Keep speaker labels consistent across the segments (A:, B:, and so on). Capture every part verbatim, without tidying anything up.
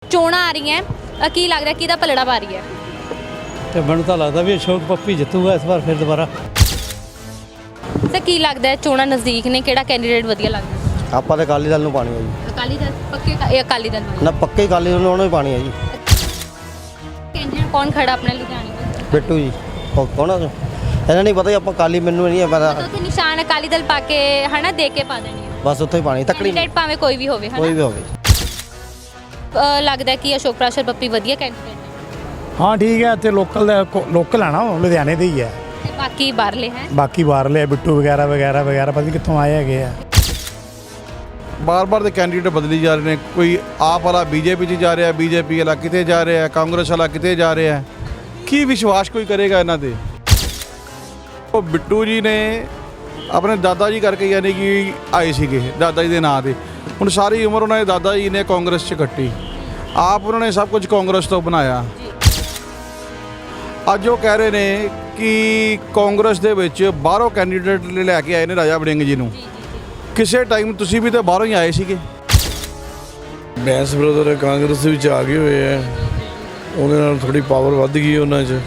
A: ਚੋਣਾਂ ਆ ਰਹੀਆਂ ਕੀ ਲੱਗਦਾ ਕਿਹਦਾ ਪਲੜਾ ਪਾ ਰਹੀ ਹੈ?
B: ਤੇ ਮੈਨੂੰ ਤਾਂ ਲੱਗਦਾ ਵੀ ਅਸ਼ੋਕ ਪੱਪੀ ਜਿੱਤੂਗਾ ਇਸ ਵਾਰ ਫਿਰ ਦੁਬਾਰਾ।
A: ਸਰ ਕੀ ਲੱਗਦਾ ਹੈ ਚੋਣਾਂ ਨਜ਼ਦੀਕ ਨੇ, ਕਿਹੜਾ ਕੈਂਡੀਡੇਟ ਵਧੀਆ ਲੱਗਦਾ?
C: ਆਪਾਂ ਤਾਂ ਅਕਾਲੀ ਦਲ ਨੂੰ ਪਾਣੀ ਹੈ ਜੀ।
A: ਅਕਾਲੀ ਦਲ ਪੱਕੇ ਇਹ ਅਕਾਲੀ ਦਲ
C: ਨਾ ਪੱਕੇ ਅਕਾਲੀ ਦਲ ਨੂੰ ਉਹਨੂੰ ਹੀ ਪਾਣੀ ਹੈ ਜੀ।
A: ਕੈਂਡੀਡੇਟ ਕੌਣ ਖੜਾ ਆਪਣੇ ਲੁਧਿਆਣੇ ਤੋਂ?
C: ਬਿੱਟੂ ਜੀ। ਉਹ ਕੌਣ ਆ? ਇਹਨਾਂ ਨਹੀਂ ਪਤਾ ਜੀ, ਆਪਾਂ ਅਕਾਲੀ ਮੈਨੂੰ ਨਹੀਂ ਪਤਾ।
A: ਤਾਂ ਉੱਥੇ ਨਿਸ਼ਾਨ ਅਕਾਲੀ ਦਲ ਪਾ ਕੇ ਹਨਾ ਦੇ ਕੇ ਪਾ ਦੇਣੀ ਹੈ,
C: ਬਸ ਉੱਥੇ ਹੀ ਪਾਣੀ ਤੱਕੜੀ
A: ਕੈਂਡੀਡੇਟ ਭਾਵੇਂ ਕੋਈ ਵੀ ਹੋਵੇ
C: ਕੋਈ
A: ਹਨਾ।
C: ਵੀ ਹੋਵੇ।
A: ਅ, ਲੱਗਦਾ ਕਿ ਅਸ਼ੋਕ ਪ੍ਰਾਸ਼ਰ ਪੱਪੀ ਵਧੀਆ ਕੈਂਡੀਡੇਟ ਨੇ
D: ਹਾਂ ਠੀਕ ਹੈ। ਇੱਥੇ ਲੋਕਲ ਦਾ ਲੋਕਲ ਹੈ ਨਾ, ਉਹ ਲੁਧਿਆਣੇ ਦੇ ਹੀ ਹੈ।
A: ਤੇ ਬਾਕੀ ਬਾਹਰਲੇ ਹੈ।
D: ਬਾਕੀ ਬਾਹਰਲੇ ਬਿੱਟੂ ਵਗੈਰਾ ਵਗੈਰਾ ਵਗੈਰਾ ਪਤਾ ਨਹੀਂ ਕਿੱਥੋਂ ਆਏ ਹੈਗੇ ਆ।
E: ਬਾਰ-ਬਾਰ ਦੇ ਕੈਂਡੀਡੇਟ ਬਦਲੀ ਜਾ ਰਹੇ ਨੇ। ਕੋਈ ਆਪ ਵਾਲਾ ਬੀਜੇਪੀ 'ਚ ਜਾ ਰਿਹਾ, ਬੀਜੇਪੀ ਵਾਲਾ ਕਿਤੇ ਜਾ ਰਿਹਾ, ਕਾਂਗਰਸ ਵਾਲਾ ਕਿਤੇ ਜਾ ਰਿਹਾ। ਕੀ ਵਿਸ਼ਵਾਸ ਕੋਈ ਕਰੇਗਾ ਇਹਨਾਂ ਤੇ? ਉਹ ਬਿੱਟੂ ਜੀ ਨੇ ਆਪਣੇ ਦਾਦਾ ਜੀ ਕਰਕੇ ਯਾਨੀ ਕਿ ਆਏ ਸੀਗੇ ਦਾਦਾ ਜੀ ਦੇ ਨਾਂ ਤੇ। ਹੁਣ ਸਾਰੀ ਉਮਰ ਉਹਨਾਂ ਦੇ ਦਾਦਾ ਜੀ ਨੇ ਕਾਂਗਰਸ 'ਚ ਕੱਟੀ, ਆਪ ਉਹਨਾਂ ਨੇ ਸਭ ਕੁਝ ਕਾਂਗਰਸ ਤੋਂ ਬਣਾਇਆ। ਅੱਜ ਉਹ ਕਹਿ ਰਹੇ ਨੇ ਕਿ ਕਾਂਗਰਸ ਦੇ ਵਿੱਚ ਬਾਹਰੋਂ ਕੈਂਡੀਡੇਟ ਲੈ ਕੇ ਆਏ ਨੇ ਰਾਜਾ ਵੜਿੰਗ ਜੀ ਨੂੰ। ਕਿਸੇ ਟਾਈਮ ਤੁਸੀਂ ਵੀ ਤਾਂ ਬਾਹਰੋਂ ਹੀ ਆਏ ਸੀਗੇ।
F: ਬੈਂਸ ਬ੍ਰਦਰ ਕਾਂਗਰਸ ਦੇ ਵਿੱਚ ਆ ਗਏ ਹੋਏ ਆ, ਉਹਦੇ ਨਾਲ ਥੋੜੀ ਪਾਵਰ ਵੱਧ ਗਈ ਉਹਨਾਂ 'ਚ,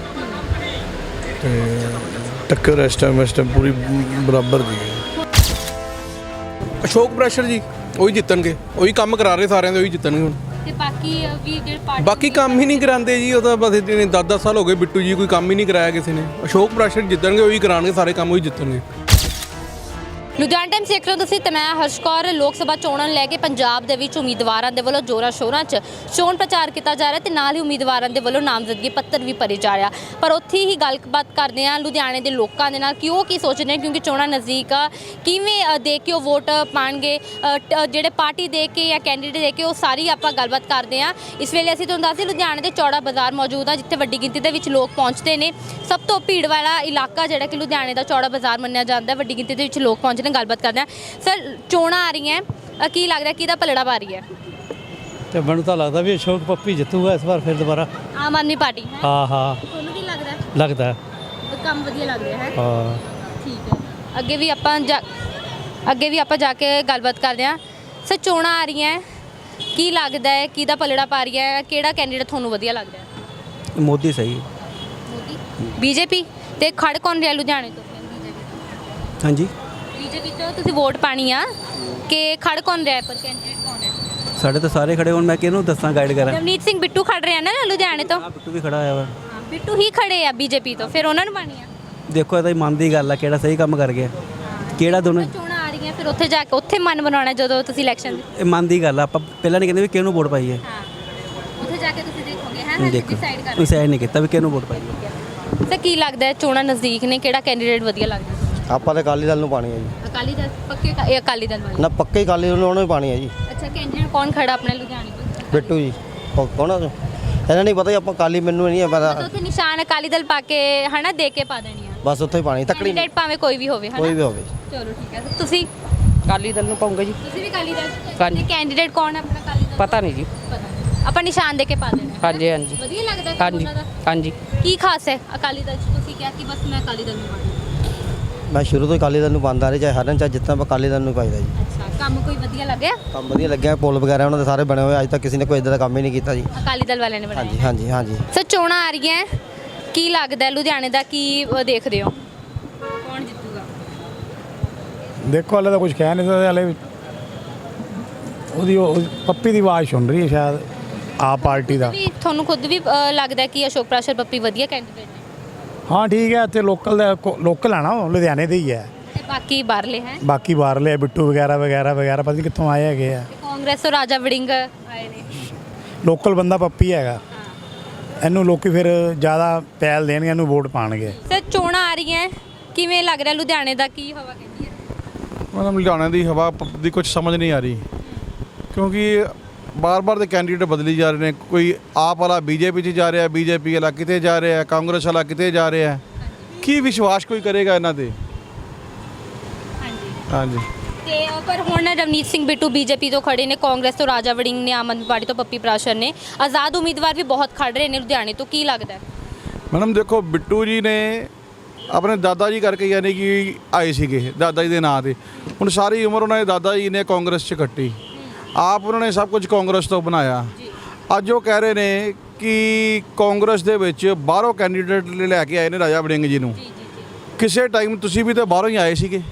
F: ਤੇ ਟੱਕਰ ਇਸ ਟਾਈਮ ਇਸ ਟਾਈਮ ਪੂਰੀ ਬਰਾਬਰ ਦੀ ਹੈ।
G: ਅਸ਼ੋਕ ਪ੍ਰਾਸ਼ਰ ਜੀ ਉਹੀ ਜਿੱਤਣਗੇ, ਉਹੀ ਕੰਮ ਕਰਾ ਰਹੇ ਸਾਰਿਆਂ ਦੇ, ਉਹੀ ਜਿੱਤਣਗੇ ਹੁਣ।
A: ਤੇ ਬਾਕੀ ਵੀ ਜਿਹੜੇ ਪਾਰਟੀ
G: ਬਾਕੀ ਕੰਮ ਹੀ ਨਹੀਂ ਕਰਾਉਂਦੇ ਜੀ, ਉਹ ਤਾਂ ਬਸ ਇਹਨੇ ਦਸ ਦਸ ਸਾਲ ਹੋ ਗਏ ਬਿੱਟੂ ਜੀ ਕੋਈ ਕੰਮ ਹੀ ਨਹੀਂ ਕਰਾਇਆ ਕਿਸੇ ਨੇ। ਅਸ਼ੋਕ ਪ੍ਰਾਸ਼ਰ ਜਿੱਤਣਗੇ, ਉਹੀ ਕਰਾਉਣਗੇ ਸਾਰੇ ਕੰਮ, ਉਹੀ ਜਿੱਤਣਗੇ।
A: ਲੁਧਿਆਣਾ ਟਾਈਮਸ ਦੇਖ ਰਹੇ ਹੋ ਤੁਸੀਂ ਤੇ ਮੈਂ ਹਰਸ਼ ਕੌਰ। ਲੋਕ ਸਭਾ ਚੋਣਾਂ ਨੂੰ ਲੈ ਕੇ ਪੰਜਾਬ ਦੇ ਵਿੱਚ ਉਮੀਦਵਾਰਾਂ ਦੇ ਵੱਲੋਂ ਜ਼ੋਰਾਂ ਸ਼ੋਰਾਂ 'ਚ ਚੋਣ ਪ੍ਰਚਾਰ ਕੀਤਾ ਜਾ ਰਿਹਾ ਤੇ ਨਾਲ ਹੀ ਉਮੀਦਵਾਰਾਂ ਦੇ ਵੱਲੋਂ ਨਾਮਜ਼ਦਗੀ ਪੱਤਰ ਵੀ ਭਰੇ ਜਾ ਰਿਹਾ। ਪਰ ਉੱਥੇ ਹੀ ਗੱਲਬਾਤ ਕਰਦੇ ਹਾਂ ਲੁਧਿਆਣੇ ਦੇ ਲੋਕਾਂ ਦੇ ਨਾਲ ਕਿ ਉਹ ਕੀ ਸੋਚਦੇ ਨੇ, ਕਿਉਂਕਿ ਚੋਣਾਂ ਨਜ਼ਦੀਕ ਆ, ਕਿਵੇਂ ਅ, ਦੇ ਕੇ ਉਹ ਵੋਟ ਪਾਣਗੇ, ਜਿਹੜੇ ਪਾਰਟੀ ਦੇ ਕੇ ਜਾਂ ਕੈਂਡੀਡੇਟ ਦੇ ਕੇ, ਉਹ ਸਾਰੀ ਆਪਾਂ ਗੱਲਬਾਤ ਕਰਦੇ ਹਾਂ। ਇਸ ਵੇਲੇ ਅਸੀਂ ਤੁਹਾਨੂੰ ਦੱਸਦੇ ਲੁਧਿਆਣੇ ਦੇ ਚੌੜਾ ਬਾਜ਼ਾਰ ਮੌਜੂਦ ਆ, ਜਿੱਥੇ ਵੱਡੀ ਗਿਣਤੀ ਦੇ ਵਿੱਚ ਲੋਕ ਪਹੁੰਚਦੇ ਨੇ। ਸਭ ਤੋਂ ਭੀੜ ਵਾਲਾ ਇਲਾਕਾ ਜਿਹੜਾ ਕਿ ਲੁਧਿਆਣੇ ਦਾ ਚੌੜਾ ਬਾਜ਼ਾਰ ਮੰਨਿਆ ਜਾਂਦਾ, ਵੱਡੀ ਗਿਣਤੀ ਦੇ ਵਿੱਚ ਲੋਕ ਪਹੁੰਚਦੇ ਨੇ। ਗੱਲਬਾਤ ਕਰਦੇ ਹਾਂ। ਸਰ ਚੋਣਾਂ ਆ ਰਹੀਆਂ ਕੀ ਲੱਗਦਾ ਕਿਹਦਾ ਪਲੜਾ ਪਾ ਰਹੀ ਹੈ?
B: ਤੇ ਮੈਨੂੰ ਤਾਂ ਲੱਗਦਾ ਵੀ ਅਸ਼ੋਕ ਪੱਪੀ ਜਿੱਤੂਗਾ ਇਸ ਵਾਰ ਫਿਰ ਦੁਬਾਰਾ।
A: ਆਮ ਆਦਮੀ ਪਾਰਟੀ ਹੈ।
B: ਹਾਂ ਹਾਂ
A: ਤੁਹਾਨੂੰ ਕੀ ਲੱਗਦਾ?
B: ਲੱਗਦਾ
A: ਕੰਮ ਵਧੀਆ ਲੱਗ ਰਿਹਾ ਹੈ।
B: ਹਾਂ
A: ਠੀਕ ਹੈ। ਅੱਗੇ ਵੀ ਆਪਾਂ ਜਾ ਅੱਗੇ ਵੀ ਆਪਾਂ ਜਾ ਕੇ ਗੱਲਬਾਤ ਕਰਦੇ ਹਾਂ। ਸਰ ਚੋਣਾਂ ਆ ਰਹੀਆਂ ਕੀ ਲੱਗਦਾ ਹੈ ਕਿਹਦਾ ਪਲੜਾ ਪਾ ਰਹੀ ਹੈ, ਕਿਹੜਾ ਕੈਂਡੀਡੇਟ ਤੁਹਾਨੂੰ ਵਧੀਆ ਲੱਗਦਾ ਹੈ?
C: ਮੋਦੀ ਸਹੀ।
A: ਮੋਦੀ ਬੀਜੇਪੀ ਤੇ ਖੜ ਕੌਣ ਰਿਹਾ ਲੁਧਿਆਣੇ ਤੋਂ?
C: ਹਾਂਜੀ
A: ਬੀਜੇਪੀ ਤੋਂ ਤੁਸੀਂ ਵੋਟ ਪਾਣੀ ਆ ਕਿ ਖੜ ਕੌਣ ਰਿਹਾ, ਪਰ ਕੈਂਡੀਡੇਟ ਕੌਣ ਹੈ?
C: ਸਾਡੇ ਤਾਂ ਸਾਰੇ ਖੜੇ ਹੁਣ, ਮੈਂ ਕਿਹਨੂੰ ਦੱਸਾਂ ਗਾਈਡ ਕਰਾਂ।
A: ਰਵਨੀਤ ਸਿੰਘ ਬਿੱਟੂ ਖੜ ਰਿਹਾ ਨਾ ਲੁਧਿਆਣੇ ਤੋਂ।
C: ਬਿੱਟੂ ਵੀ ਖੜਾ ਹੋਇਆ ਵਾ।
A: ਬਿੱਟੂ ਹੀ ਖੜੇ ਆ ਬੀਜੇਪੀ ਤੋਂ, ਫਿਰ ਉਹਨਾਂ ਨੂੰ ਪਾਣੀ ਆ।
C: ਦੇਖੋ ਇਹ ਤਾਂ ਮਨ ਦੀ ਗੱਲ ਆ, ਕਿਹੜਾ ਸਹੀ ਕੰਮ ਕਰ ਗਿਆ, ਕਿਹੜਾ ਦੋਨੋਂ।
A: ਚੋਣਾਂ ਆ ਰਹੀਆਂ ਫਿਰ ਉੱਥੇ ਜਾ ਕੇ ਉੱਥੇ ਮਨ ਬਣਾਉਣਾ ਜਦੋਂ ਤੁਸੀਂ ਇਲੈਕਸ਼ਨ ਦੇ।
C: ਇਹ ਮਨ ਦੀ ਗੱਲ ਆ, ਆਪਾਂ ਪਹਿਲਾਂ ਨਹੀਂ ਕਹਿੰਦੇ ਵੀ ਕਿਹਨੂੰ ਵੋਟ ਪਾਈਏ।
A: ਹਾਂ ਉੱਥੇ ਜਾ ਕੇ ਤੁਸੀਂ ਦੇਖੋਗੇ ਹੈ
C: ਦੇਖੋ
A: ਡਿਸਾਈਡ ਕਰ
C: ਡਿਸਾਈਡ ਨਹੀਂ ਕੀਤਾ ਵੀ ਕਿਹਨੂੰ ਵੋਟ ਪਾਈਏ।
A: ਸਰ ਕੀ ਲੱਗਦਾ ਹੈ ਚੋਣਾਂ ਨਜ਼ਦੀਕ ਨੇ, ਕਿਹੜਾ ਕੈਂਡੀਡੇਟ ਵਧੀਆ ਲੱਗਦਾ?
C: ਆਪਾਂ ਤਾਂ ਅਕਾਲੀ ਦਲ ਨੂੰ ਪਾਣੀ ਹੈ ਜੀ।
A: ਅਕਾਲੀ ਦਲ ਪੱਕੇ ਇਹ ਅਕਾਲੀ ਦਲ ਵਾਲੇ।
C: ਨਾ ਪੱਕੇ ਅਕਾਲੀ ਦਲ ਨੂੰ ਉਹਨੂੰ ਹੀ ਪਾਣੀ ਹੈ ਜੀ।
A: ਅੱਛਾ ਕੈਂਡੀਡੇਟ ਕੌਣ ਖੜਾ ਆਪਣੇ ਲੁਧਿਆਣੇ ਤੋਂ?
C: ਬਿੱਟੂ ਜੀ। ਉਹ ਕੌਣ ਆ? ਇਹਨਾਂ ਨਹੀਂ ਪਤਾ ਜੀ, ਆਪਾਂ ਅਕਾਲੀ ਮੈਨੂੰ ਨਹੀਂ ਪਤਾ।
A: ਤਾਂ ਉੱਥੇ ਨਿਸ਼ਾਨ ਅਕਾਲੀ ਦਲ ਪਾ ਕੇ ਹਨਾ ਦੇ ਕੇ ਪਾ ਦੇਣੀ ਆ,
C: ਬਸ ਉੱਥੇ ਹੀ ਪਾਣੀ ਤੱਕੜੀ
A: ਕੈਂਡੀਡੇਟ ਭਾਵੇਂ ਕੋਈ ਵੀ ਹੋਵੇ ਹਨਾ।
C: ਕੋਈ ਵੀ ਹੋਵੇ।
A: ਚਲੋ ਠੀਕ ਹੈ। ਤੁਸੀਂ
H: ਅਕਾਲੀ ਦਲ ਨੂੰ ਪਾਉਂਗੇ ਜੀ।
A: ਤੁਸੀਂ ਵੀ ਅਕਾਲੀ ਦਲ?
H: ਹਾਂਜੀ।
A: ਤੇ ਕੈਂਡੀਡੇਟ ਕੌਣ ਹੈ ਆਪਣਾ ਅਕਾਲੀ ਦਲ?
H: ਪਤਾ ਨਹੀਂ ਜੀ।
A: ਪਤਾ ਨਹੀਂ। ਆਪਾਂ ਨਿਸ਼ਾਨ ਦੇ ਕੇ ਪਾ ਦੇਣਾ ਹੈ।
H: ਹਾਂਜੀ ਹਾਂਜੀ
A: ਵਧੀਆ ਲੱਗਦਾ ਹੈ
H: ਹਾਂਜੀ
A: ਉਹਨਾਂ ਦਾ?
H: ਹਾਂਜੀ।
A: ਕੀ ਖਾਸ ਹੈ ਅਕਾਲੀ ਦਲ 'ਚ? ਤੁਸੀਂ ਕਿਹਾ ਕਿ ਬਸ ਮੈਂ ਅਕਾਲੀ ਦਲ ਨੂੰ ਪਾਉਣਾ।
C: ਮੈਂ ਸ਼ੁਰੂ ਤੋਂ ਹੀ ਅਕਾਲੀ ਦਲ ਨੂੰ ਪਾਉਂਦਾ ਰਿਹਾ, ਚਾਹੇ ਹਰਨ ਚਾਹੇ ਜਿੱਤਾਂ, ਆਪਾਂ ਅਕਾਲੀ ਦਲ ਨੂੰ ਪਾਈਦਾ ਜੀ।
A: ਅੱਛਾ ਕੰਮ ਕੋਈ ਵਧੀਆ ਲੱਗਿਆ?
C: ਕੰਮ ਵਧੀਆ ਲੱਗਿਆ, ਪੁਲ ਵਗੈਰਾ ਉਹਨਾਂ ਦੇ ਸਾਰੇ ਬਣੇ ਹੋਏ, ਅੱਜ ਤੱਕ ਕਿਸੇ ਨੇ ਕੋਈ ਇਦਾਂ ਦਾ ਕੰਮ ਹੀ ਨਹੀਂ ਕੀਤਾ ਜੀ।
A: ਅਕਾਲੀ ਦਲ ਵਾਲਿਆਂ ਨੇ ਬਣਾਇਆ?
C: ਹਾਂਜੀ ਹਾਂਜੀ ਹਾਂਜੀ।
A: ਸਰ ਚੋਣਾਂ ਆ ਰਹੀਆਂ ਕੀ ਲੱਗਦਾ ਲੁਧਿਆਣੇ ਦਾ, ਕੀ ਅ, ਦੇਖਦੇ ਹੋ ਕੌਣ ਜਿੱਤੂਗਾ?
D: ਦੇਖੋ ਹਲੇ ਤਾਂ ਕੁਝ ਕਹਿ ਨਹੀਂ ਸਕਦੇ, ਹਲੇ ਉਹਦੀ ਉਹ ਪੱਪੀ ਦੀ ਆਵਾਜ਼ ਸੁਣ ਰਹੀ ਹੈ ਸ਼ਾਇਦ ਆਪ ਪਾਰਟੀ ਦਾ।
A: ਵੀ ਤੁਹਾਨੂੰ ਖੁਦ ਵੀ ਅ, ਲੱਗਦਾ ਕਿ ਅਸ਼ੋਕ ਪ੍ਰਾਸ਼ਰ ਪੱਪੀ ਵਧੀਆ ਕੈਂਡੀਡੇਟ ਨੇ?
D: ਹਾਂ ਠੀਕ ਹੈ। ਇੱਥੇ ਲੋਕਲ ਦਾ ਲੋਕਲ ਹੈ ਨਾ, ਉਹ ਲੁਧਿਆਣੇ ਦੇ ਹੀ ਹੈ।
A: ਤੇ ਬਾਕੀ ਬਾਹਰਲੇ ਹੈ।
D: ਬਾਕੀ ਬਾਹਰਲੇ ਬਿੱਟੂ ਵਗੈਰਾ ਵਗੈਰਾ ਵਗੈਰਾ ਪਤਾ ਨਹੀਂ ਕਿੱਥੋਂ ਆਏ ਹੈਗੇ ਆ।
A: ਕਾਂਗਰਸ ਤੋਂ ਰਾਜਾ ਵੜਿੰਗ ਆਏ ਨੇ।
D: ਲੋਕਲ ਬੰਦਾ ਪੱਪੀ ਹੈਗਾ, ਇਹਨੂੰ ਲੋਕੀ ਫਿਰ ਜ਼ਿਆਦਾ ਪਹਿਲ ਦੇਣਗੇ, ਇਹਨੂੰ ਵੋਟ ਪਾਣਗੇ।
A: ਸਰ ਚੋਣਾਂ ਆ ਰਹੀਆਂ ਕਿਵੇਂ ਲੱਗ ਰਿਹਾ ਲੁਧਿਆਣੇ ਦਾ, ਕੀ ਹਵਾ ਕਹਿੰਦੀ ਹੈ?
E: ਮਤਲਬ ਲੁਧਿਆਣੇ ਦੀ ਹਵਾ ਪ- ਦੀ ਕੁਝ ਸਮਝ ਨਹੀਂ ਆ ਰਹੀ, ਕਿਉਂਕਿ ਬਾਰ-ਬਾਰ ਦੇ ਕੈਂਡੀਡੇਟ ਬਦਲੀ ਜਾ ਰਹੇ ਨੇ। ਕੋਈ ਆਪ ਵਾਲਾ ਬੀਜੇਪੀ 'ਚ ਜਾ ਰਿਹਾ, ਬੀਜੇਪੀ ਵਾਲਾ ਕਿਤੇ ਜਾ ਰਿਹਾ, ਕਾਂਗਰਸ ਵਾਲਾ ਕਿਤੇ ਜਾ ਰਿਹਾ। ਕੀ ਵਿਸ਼ਵਾਸ ਕੋਈ ਕਰੇਗਾ ਇਹਨਾਂ ਤੇ?
A: ਹਾਂਜੀ
E: ਹਾਂਜੀ।
A: ਤੇ ਅ, ਪਰ ਹੁਣ ਰਵਨੀਤ ਸਿੰਘ ਬਿੱਟੂ ਬੀਜੇਪੀ ਤੋਂ ਖੜੇ ਨੇ, ਕਾਂਗਰਸ ਤੋਂ ਰਾਜਾ ਵੜਿੰਗ ਨੇ, ਆਮ ਆਦਮੀ ਪਾਰਟੀ ਤੋਂ ਪੱਪੀ ਪ੍ਰਾਸ਼ਰ ਨੇ, ਆਜ਼ਾਦ ਉਮੀਦਵਾਰ ਵੀ ਬਹੁਤ ਖੜ ਰਹੇ ਨੇ ਲੁਧਿਆਣੇ ਤੋਂ। ਕੀ ਲੱਗਦਾ?
E: ਮੈਡਮ ਦੇਖੋ ਬਿੱਟੂ ਜੀ ਨੇ ਆਪਣੇ ਦਾਦਾ ਜੀ ਕਰਕੇ ਯਾਨੀ ਕਿ ਆਏ ਸੀਗੇ ਦਾਦਾ ਜੀ ਦੇ ਨਾਂ ਤੇ। ਹੁਣ ਸਾਰੀ ਉਮਰ ਉਹਨਾਂ ਦੇ ਦਾਦਾ ਜੀ ਨੇ ਕਾਂਗਰਸ 'ਚ ਕੱਟੀ, ਆਪ ਉਹਨਾਂ ਨੇ ਸਭ ਕੁਝ ਕਾਂਗਰਸ ਤੋਂ ਬਣਾਇਆ। ਅੱਜ ਉਹ ਕਹਿ ਰਹੇ ਨੇ ਕਿ ਕਾਂਗਰਸ ਦੇ ਵਿੱਚ ਬਾਹਰੋਂ ਕੈਂਡੀਡੇਟ ਲੈ ਕੇ ਆਏ ਨੇ ਰਾਜਾ ਵੜਿੰਗ ਜੀ ਨੂੰ। ਕਿਸੇ ਟਾਈਮ ਤੁਸੀਂ ਵੀ ਤਾਂ ਬਾਹਰੋਂ ਹੀ ਆਏ ਸੀਗੇ,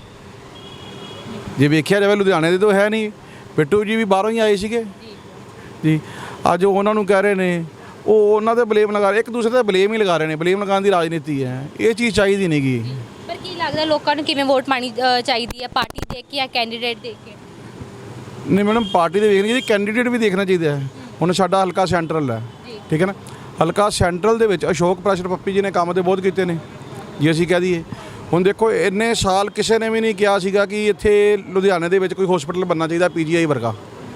E: ਜੇ ਵੇਖਿਆ ਜਾਵੇ ਲੁਧਿਆਣੇ ਦੇ ਤਾਂ ਹੈ ਨਹੀਂ, ਬਿੱਟੂ ਜੀ ਵੀ ਬਾਹਰੋਂ ਹੀ ਆਏ ਸੀਗੇ ਜੀ। ਅੱਜ ਉਹ ਉਹਨਾਂ ਨੂੰ ਕਹਿ ਰਹੇ ਨੇ, ਉਹ ਉਹਨਾਂ ਦੇ ਬਲੇਮ ਲਗਾ ਰਹੇ, ਇੱਕ ਦੂਸਰੇ ਤੇ ਬਲੇਮ ਹੀ ਲਗਾ ਰਹੇ ਨੇ। ਬਲੇਮ ਲਗਾਉਣ ਦੀ ਰਾਜਨੀਤੀ ਹੈ, ਇਹ ਚੀਜ਼ ਚਾਹੀਦੀ ਨਹੀਂ ਗੀ।
A: ਪਰ ਕੀ ਲੱਗਦਾ ਲੋਕਾਂ ਨੂੰ ਕਿਵੇਂ ਵੋਟ ਪਾਣੀ ਅ, ਚਾਹੀਦੀ ਹੈ, ਪਾਰਟੀ ਦੇਖ ਕੇ ਜਾਂ ਕੈਂਡੀਡੇਟ ਦੇਖ ਕੇ?
E: ਨਹੀਂ ਮੈਡਮ, ਪਾਰਟੀ ਦੇ ਵੇਖਣੀ ਚਾਹੀਦੀ, ਕੈਂਡੀਡੇਟ ਵੀ ਦੇਖਣਾ ਚਾਹੀਦਾ ਹੈ। ਹੁਣ ਸਾਡਾ ਹਲਕਾ ਸੈਂਟਰਲ ਹੈ, ਠੀਕ ਹੈ ਨਾ, ਹਲਕਾ ਸੈਂਟਰਲ ਦੇ ਵਿੱਚ ਅਸ਼ੋਕ ਪ੍ਰੈਸ਼ਰ ਪੱਪੀ ਜੀ ਨੇ ਕੰਮ ਤੇ ਬਹੁਤ ਕੀਤੇ ਨੇ ਜੇ ਅਸੀਂ ਕਹਿ ਦਈਏ। ਹੁਣ ਦੇਖੋ ਇੰਨੇ ਸਾਲ ਕਿਸੇ ਨੇ ਵੀ ਨਹੀਂ ਕਿਹਾ ਸੀਗਾ ਕਿ ਇੱਥੇ ਲੁਧਿਆਣੇ ਦੇ ਵਿੱਚ ਕੋਈ ਹਸਪੀਟਲ ਬਣਨਾ ਚਾਹੀਦਾ ਪੀਜੀਆਈ ਵਰਗਾ।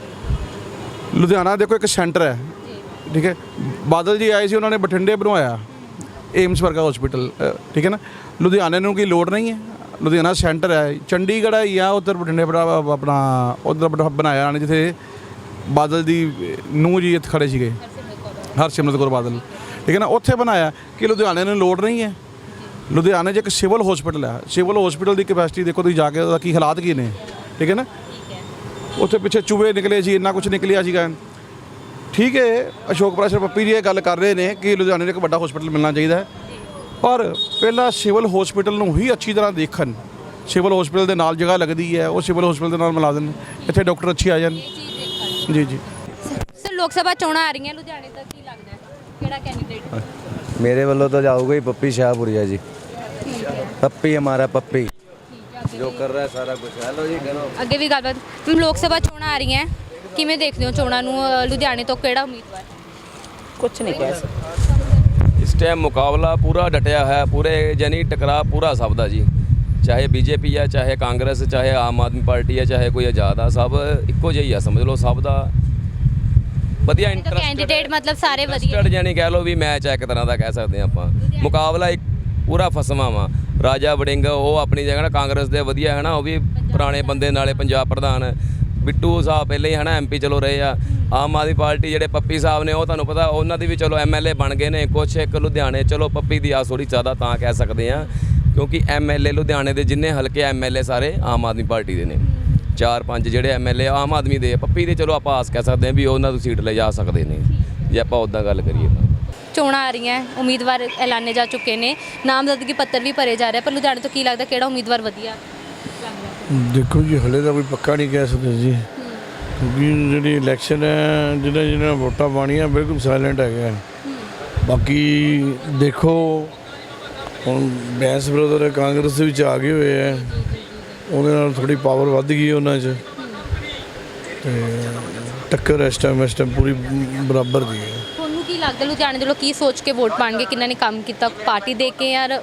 E: ਲੁਧਿਆਣਾ ਦੇਖੋ ਇੱਕ ਸੈਂਟਰ ਹੈ, ਠੀਕ ਹੈ। ਬਾਦਲ ਜੀ ਆਏ ਸੀ, ਉਹਨਾਂ ਨੇ ਬਠਿੰਡੇ ਬਣਵਾਇਆ ਏਮਸ ਵਰਗਾ ਹਸਪੀਟਲ, ਠੀਕ ਹੈ ਨਾ। ਲੁਧਿਆਣੇ ਨੂੰ ਕੀ ਲੋੜ ਨਹੀਂ ਹੈ, ਲੁਧਿਆਣਾ ਸੈਂਟਰ ਹੈ। ਚੰਡੀਗੜ੍ਹ ਹੈ ਜਾਂ ਉੱਧਰ ਬਠਿੰਡੇ ਆਪਣਾ ਉੱਧਰ ਬਣਾਇਆ ਨੇ ਜਿੱਥੇ ਬਾਦਲ ਦੀ ਨੂੰਹ ਜੀ ਇੱਥੇ ਖੜੇ ਸੀਗੇ, ਹਰਸਿਮਰਤ ਕੌਰ ਬਾਦਲ, ਠੀਕ ਹੈ ਨਾ, ਉੱਥੇ ਬਣਾਇਆ ਕਿ ਲੁਧਿਆਣੇ ਨੂੰ ਲੋੜ ਨਹੀਂ ਹੈ। ਲੁਧਿਆਣੇ 'ਚ ਇੱਕ ਸਿਵਲ ਹਸਪੀਟਲ ਹੈ, ਸਿਵਲ ਹਸਪੀਟਲ ਦੀ ਕੈਪੈਸਿਟੀ ਦੇਖੋ ਤੁਸੀਂ ਜਾ ਕੇ, ਉਹਦਾ ਕੀ ਹਾਲਾਤ ਕੀ ਨੇ, ਠੀਕ ਹੈ ਨਾ। ਉੱਥੇ ਪਿੱਛੇ ਚੂਹੇ ਨਿਕਲੇ ਸੀ, ਇੰਨਾ ਕੁਝ ਨਿਕਲਿਆ ਸੀਗਾ, ਠੀਕ ਹੈ। ਅਸ਼ੋਕ ਪ੍ਰੈਸ਼ਰ ਪੱਪੀ ਜੀ ਇਹ ਗੱਲ ਕਰ ਰਹੇ ਨੇ ਕਿ ਲੁਧਿਆਣੇ 'ਚ ਇੱਕ ਵੱਡਾ ਹਸਪੀਟਲ ਮਿਲਣਾ ਚਾਹੀਦਾ ਹੈ, ਪਰ ਪਹਿਲਾਂ ਸਿਵਲ ਹਸਪੀਟਲ ਨੂੰ ਹੀ ਅੱਛੀ ਤਰ੍ਹਾਂ ਦੇਖਣ। ਸਿਵਲ ਹਸਪੀਟਲ ਦੇ ਨਾਲ ਜਗ੍ਹਾ ਲੱਗਦੀ ਹੈ, ਉਹ ਸਿਵਲ ਹਸਪੀਟਲ ਦੇ ਨਾਲ ਮਿਲਾ ਦੇਣ, ਇੱਥੇ ਡਾਕਟਰ ਅੱਛੇ ਆ ਜਾਣ ਜੀ ਜੀ।
A: ਸਰ ਲੋਕ ਸਭਾ ਚੋਣਾਂ ਆ ਰਹੀਆਂ ਲੁਧਿਆਣੇ ਦਾ, ਕੀ ਲੱਗਦਾ ਹੈ ਕਿਹੜਾ ਕੈਂਡੀਡੇਟ?
C: मेरे वालों तो जाऊँगा ही पप्पी शाहपुरिया जी। पप्पी हमारा पप्पी जो कर रहा है सारा कुछ। हेलो जी करो।
A: ਅੱਗੇ ਵੀ ਗੱਲਬਾਤ। ਮੈਮ ਲੋਕ ਸਭਾ ਚੋਣਾਂ ਆ ਰਹੀਆਂ, ਕਿਵੇਂ ਦੇਖਦੇ ਹੋ ਚੋਣਾਂ ਨੂੰ? ਅ, ਲੁਧਿਆਣੇ ਤੋਂ ਕਿਹੜਾ ਉਮੀਦਵਾਰ?
H: ਕੁਛ ਨਹੀਂ ਕਹਿ ਸਕਦੇ।
I: ਇਸ ਟਾਈਮ ਮੁਕਾਬਲਾ ਪੂਰਾ ਡਟਿਆ ਹੈ, ਪੂਰੇ ਜਾਨੀ ਟਕਰਾਅ ਪੂਰਾ ਸਭ ਦਾ ਜੀ। ਚਾਹੇ ਬੀਜੇਪੀ ਹੈ, ਚਾਹੇ ਕਾਂਗਰਸ, ਚਾਹੇ ਆਮ ਆਦਮੀ ਪਾਰਟੀ ਹੈ, ਚਾਹੇ ਕੋਈ ਆਜ਼ਾਦ ਆ, ਸਭ ਇੱਕੋ ਜਿਹਾ ਹੀ ਆ, ਸਮਝ ਲਓ। ਸਭ ਦਾ ਵਧੀਆ ਇੰਟਰਸਟ
A: ਕੈਂਡੀਡੇਟ ਮਤਲਬ ਸਾਰੇ ਵਧੀਆ
I: ਜਾਨੀ ਕਹਿ ਲਓ ਵੀ ਮੈਚ ਹੈ ਇੱਕ ਤਰ੍ਹਾਂ ਦਾ, ਕਹਿ ਸਕਦੇ ਹਾਂ ਆਪਾਂ। ਮੁਕਾਬਲਾ ਇੱਕ ਪੂਰਾ ਫਸਵਾਂ ਵਾ। ਰਾਜਾ ਵੜਿੰਗ ਉਹ ਆਪਣੀ ਜਗ੍ਹਾ ਕਾਂਗਰਸ ਦੇ ਵਧੀਆ ਹੈ ਨਾ, ਉਹ ਵੀ ਪੁਰਾਣੇ ਬੰਦੇ, ਨਾਲੇ ਪੰਜਾਬ ਪ੍ਰਧਾਨ। ਬਿੱਟੂ ਸਾਹਿਬ ਪਹਿਲੇ ਹੀ ਹੈ ਨਾ ਐਮਪੀ ਚਲੋ ਰਹੇ ਆ। ਆਮ ਆਦਮੀ ਪਾਰਟੀ ਜਿਹੜੇ ਪੱਪੀ ਸਾਹਿਬ ਨੇ, ਉਹ ਤੁਹਾਨੂੰ ਪਤਾ ਉਹਨਾਂ ਦੀ ਵੀ ਚਲੋ ਐਮਐਲਏ ਬਣ ਗਏ ਨੇ ਕੁਛ। ਇੱਕ ਲੁਧਿਆਣੇ ਚਲੋ ਪੱਪੀ ਦੀ ਆਸ ਥੋੜ੍ਹੀ ਜ਼ਿਆਦਾ ਤਾਂ ਕਹਿ ਸਕਦੇ ਹਾਂ, ਕਿਉਂਕਿ ਐਮਐਲਏ ਲੁਧਿਆਣੇ ਦੇ ਜਿੰਨੇ ਹਲਕੇ ਐਮਐਲਏ ਸਾਰੇ ਆਮ ਆਦਮੀ ਪਾਰਟੀ ਦੇ ਨੇ। ਚਾਰ ਪੰਜ ਜਿਹੜੇ ਐਮਐਲਏ ਆਮ ਆਦਮੀ ਦੇ, ਪੱਪੀ ਦੇ ਚਲੋ ਆਪਾਂ ਆਸ ਕਹਿ ਸਕਦੇ ਹਾਂ ਵੀ ਉਹਨਾਂ ਤੋਂ ਸੀਟ ਲੈ ਜਾ ਸਕਦੇ ਨੇ, ਜੇ ਆਪਾਂ ਉੱਦਾਂ ਗੱਲ ਕਰੀਏ ਤਾਂ।
A: ਚੋਣਾਂ ਆ ਰਹੀਆਂ, ਉਮੀਦਵਾਰ ਐਲਾਨੇ ਜਾ ਚੁੱਕੇ ਨੇ, ਨਾਮਜ਼ਦਗੀ ਪੱਤਰ ਵੀ ਭਰੇ ਜਾ ਰਹੇ, ਪਰ ਲੁਧਿਆਣੇ ਤੋਂ ਕੀ ਲੱਗਦਾ ਕਿਹੜਾ ਉਮੀਦਵਾਰ ਵਧੀਆ?
F: ਦੇਖੋ ਜੀ ਹਲੇ ਤਾਂ ਕੋਈ ਪੱਕਾ ਨਹੀਂ ਕਹਿ ਸਕਦੇ ਜੀ, ਕਿਉਂਕਿ ਜਿਹੜੀ ਇਲੈਕਸ਼ਨ ਹੈ, ਜਿਹਨਾਂ ਜਿਹਨਾਂ ਵੋਟਾਂ ਪਾਉਣੀਆਂ ਬਿਲਕੁਲ ਸਾਇਲੈਂਟ ਹੈਗਾ। ਬਾਕੀ ਦੇਖੋ ਹੁਣ ਬੈਂਸ ਬ੍ਰਦਰ ਕਾਂਗਰਸ ਦੇ ਵਿੱਚ ਆ ਗਏ ਹੋਏ ਹੈ, ਉਹਦੇ ਨਾਲ ਥੋੜ੍ਹੀ ਪਾਵਰ ਵੱਧ ਗਈ ਉਹਨਾਂ 'ਚ, ਅਤੇ ਟੱਕਰ ਇਸ ਟਾਈਮ ਇਸ ਟਾਈਮ ਪੂਰੀ ਬਰਾਬਰ ਦੀ ਹੈ।
A: ਤੁਹਾਨੂੰ ਕੀ ਲੱਗਦਾ ਲੁਧਿਆਣੇ ਦੇ ਲੋਕ ਕੀ ਸੋਚ ਕੇ ਵੋਟ ਪਾਣਗੇ, ਕਿੰਨਾ ਨੇ ਕੰਮ ਕੀਤਾ, ਪਾਰਟੀ ਦੇ ਕੇ ਯਾਰ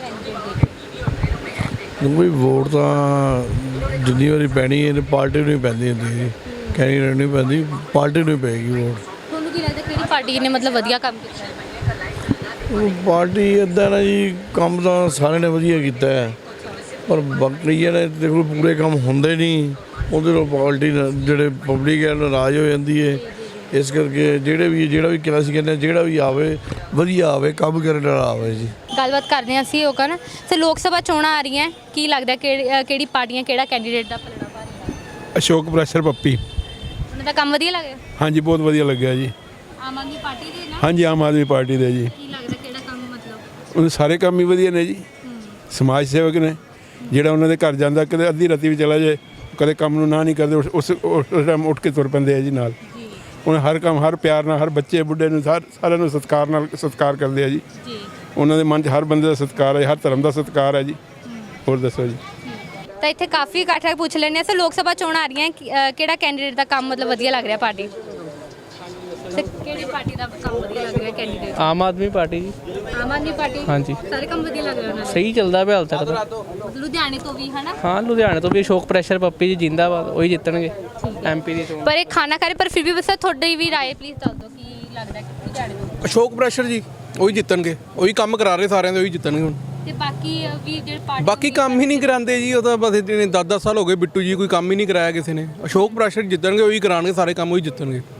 F: ਕੋਈ ਵੋਟ ਤਾਂ ਜਿੰਨੀ ਵਾਰੀ ਪੈਣੀ ਹੈ ਪਾਰਟੀ ਨੂੰ ਹੀ ਪੈਂਦੀ ਹੁੰਦੀ ਹੈ, ਕੈਂਡੀਡੇਟ ਨਹੀਂ ਪੈਂਦੀ, ਪਾਰਟੀ ਨੂੰ ਹੀ ਪਏਗੀ ਵੋਟ।
A: ਤੁਹਾਨੂੰ ਕੀ ਲੱਗਦਾ ਕਿਹੜੀ ਪਾਰਟੀ ਨੇ ਮਤਲਬ ਵਧੀਆ ਕੰਮ ਕੀਤਾ?
F: ਪਾਰਟੀ ਇੱਦਾਂ ਨਾ ਜੀ, ਕੰਮ ਤਾਂ ਸਾਰਿਆਂ ਨੇ ਵਧੀਆ ਕੀਤਾ ਹੈ, ਪਰ ਬਾਕੀ ਨੇ ਦੇਖੋ ਪੂਰੇ ਕੰਮ ਹੁੰਦੇ ਨਹੀਂ, ਉਹਦੇ ਨਾਲ ਪਾਰਟੀ ਜਿਹੜੇ ਪਬਲਿਕ ਹੈ ਨਾਰਾਜ਼ ਹੋ ਜਾਂਦੀ ਹੈ। ਇਸ ਕਰਕੇ ਜਿਹੜੇ ਵੀ ਜਿਹੜਾ ਵੀ ਕਿਹਾ ਸੀ ਕਹਿੰਦੇ ਜਿਹੜਾ ਵੀ ਆਵੇ ਵਧੀਆ ਆਵੇ, ਕੰਮ ਕਰਨ ਵਾਲਾ ਆਵੇ ਜੀ।
A: ਗੱਲਬਾਤ ਕਰਦੇ ਹਾਂ ਅਸੀਂ ਉਹ ਕਰਨ। ਸਰ ਲੋਕ ਸਭਾ ਚੋਣਾਂ ਆ ਰਹੀਆਂ, ਕੀ ਲੱਗਦਾ ਕਿਹੜੀ ਅ, ਕਿਹੜੀ ਪਾਰਟੀਆਂ ਕਿਹੜਾ ਕੈਂਡੀਡੇਟ ਦਾ ਪਲੜਾ ਪਾ ਰਹੀਆਂ?
B: ਅਸ਼ੋਕ ਪ੍ਰੈਸ਼ਰ ਪੱਪੀ।
A: ਉਹਨਾਂ ਦਾ ਕੰਮ ਵਧੀਆ ਲੱਗਿਆ?
B: ਹਾਂਜੀ ਬਹੁਤ ਵਧੀਆ ਲੱਗਿਆ ਜੀ।
A: ਆਮ ਆਦਮੀ ਪਾਰਟੀ ਦੇ ਨਾ?
B: ਹਾਂਜੀ ਆਮ ਆਦਮੀ ਪਾਰਟੀ ਦੇ ਜੀ।
A: ਕੀ ਲੱਗਦਾ ਕਿਹੜਾ ਕੰਮ ਮਤਲਬ?
B: ਉਹਦੇ ਸਾਰੇ ਕੰਮ ਹੀ ਵਧੀਆ ਨੇ ਜੀ। ਸਮਾਜ ਸੇਵਕ ਨੇ, ਜਿਹੜਾ ਉਹਨਾਂ ਦੇ ਘਰ ਜਾਂਦਾ ਕਦੇ ਅੱਧੀ ਰਾਤੀ ਵੀ ਚਲਾ ਜਾਏ, ਕਦੇ ਕੰਮ ਨੂੰ ਨਾ ਨਹੀਂ ਕਰਦੇ, ਉਸ ਉਸ ਟਾਈਮ ਉੱਠ ਕੇ ਤੁਰ ਪੈਂਦੇ ਆ ਜੀ ਨਾਲ। ਉਹਨਾਂ ਹਰ ਕੰਮ ਹਰ ਪਿਆਰ ਨਾਲ, ਹਰ ਬੱਚੇ ਬੁੱਢੇ ਨੂੰ ਸਾਰ ਸਾਰਿਆਂ ਨੂੰ ਸਤਿਕਾਰ ਨਾਲ ਸਤਿਕਾਰ ਕਰਦੇ ਆ ਜੀ। ਉਹਨਾਂ ਦੇ ਮਨ 'ਚ ਹਰ ਬੰਦੇ ਦਾ ਸਤਿਕਾਰ ਹੈ, ਹਰ ਧਰਮ ਦਾ ਸਤਿਕਾਰ ਹੈ ਜੀ। ਹੋਰ ਦੱਸੋ ਜੀ।
A: ਤਾਂ ਇੱਥੇ ਕਾਫੀ ਇਕੱਠ ਪੁੱਛ ਲੈਂਦੇ ਹਾਂ। ਸਰ ਲੋਕ ਸਭਾ ਚੋਣਾਂ ਆ ਰਹੀਆਂ, ਕਿ- ਅ, ਕਿਹੜਾ ਕੈਂਡੀਡੇਟ ਦਾ ਕੰਮ ਮਤਲਬ ਵਧੀਆ ਲੱਗ ਰਿਹਾ ਪਾਰਟੀ? ਸਰ ਕਿਹੜੀ ਪਾਰਟੀ ਦਾ ਕੰਮ ਵਧੀਆ ਲੱਗ ਰਿਹਾ ਕੈਂਡੀਡੇਟ?
H: ਆਮ ਆਦਮੀ ਪਾਰਟੀ ਜੀ।
A: ਆਮ ਆਦਮੀ ਪਾਰਟੀ?
H: ਹਾਂਜੀ।
A: ਸਾਰੇ ਕੰਮ ਵਧੀਆ ਲੱਗ ਰਹੇ ਉਹਨਾਂ ਦੇ?
H: ਸਹੀ ਚੱਲਦਾ ਪਿਆ ਹਾਲ ਤੱਕ ਤਾਂ।
A: ਲੁਧਿਆਣੇ ਤੋਂ ਵੀ ਹਨਾ?
H: ਹਾਂ ਲੁਧਿਆਣੇ ਤੋਂ ਵੀ ਅਸ਼ੋਕ ਪ੍ਰੈਸ਼ਰ ਪੱਪੀ ਜੀ ਜਿੰਦਾਬਾਦ, ਉਹੀ ਜਿੱਤਣਗੇ ਐਮਪੀ ਦੀ ਚੋਣ।
A: ਪਰ ਇਹ ਖਾਣਾ ਖਾ ਰਹੇ, ਪਰ ਫਿਰ ਵੀ ਬਸ ਤੁਹਾਡੀ ਵੀ ਰਾਏ ਪਲੀਜ਼ ਦੱਸ ਦਿਓ ਕੀ ਲੱਗਦਾ ਕਿ ਲੁਧਿਆਣੇ ਤੋਂ?
G: ਅਸ਼ੋਕ ਪ੍ਰੈਸ਼ਰ ਜੀ ਉਹੀ ਜਿੱਤਣਗੇ, ਉਹੀ ਕੰਮ ਕਰਾ ਰਹੇ ਸਾਰਿਆਂ ਦੇ, ਉਹੀ ਜਿੱਤਣਗੇ ਹੁਣ।
A: ਤੇ ਬਾਕੀ ਅ, ਵੀ ਜਿਹੜੇ ਪਾਰਟੀ
G: ਬਾਕੀ ਕੰਮ ਹੀ ਨਹੀਂ ਕਰਾਉਂਦੇ ਜੀ, ਉਹ ਤਾਂ ਬਸ ਦਸ ਦਸ ਸਾਲ ਹੋ ਗਏ ਬਿੱਟੂ ਜੀ ਕੋਈ ਕੰਮ ਹੀ ਨਹੀਂ ਕਰਾਇਆ ਕਿਸੇ ਨੇ। ਅਸ਼ੋਕ ਪ੍ਰੈਸ਼ਰ ਜਿੱਤਣਗੇ, ਉਹੀ ਕਰਾਉਣਗੇ ਸਾਰੇ ਕੰਮ, ਉਹੀ ਜਿੱਤਣਗੇ।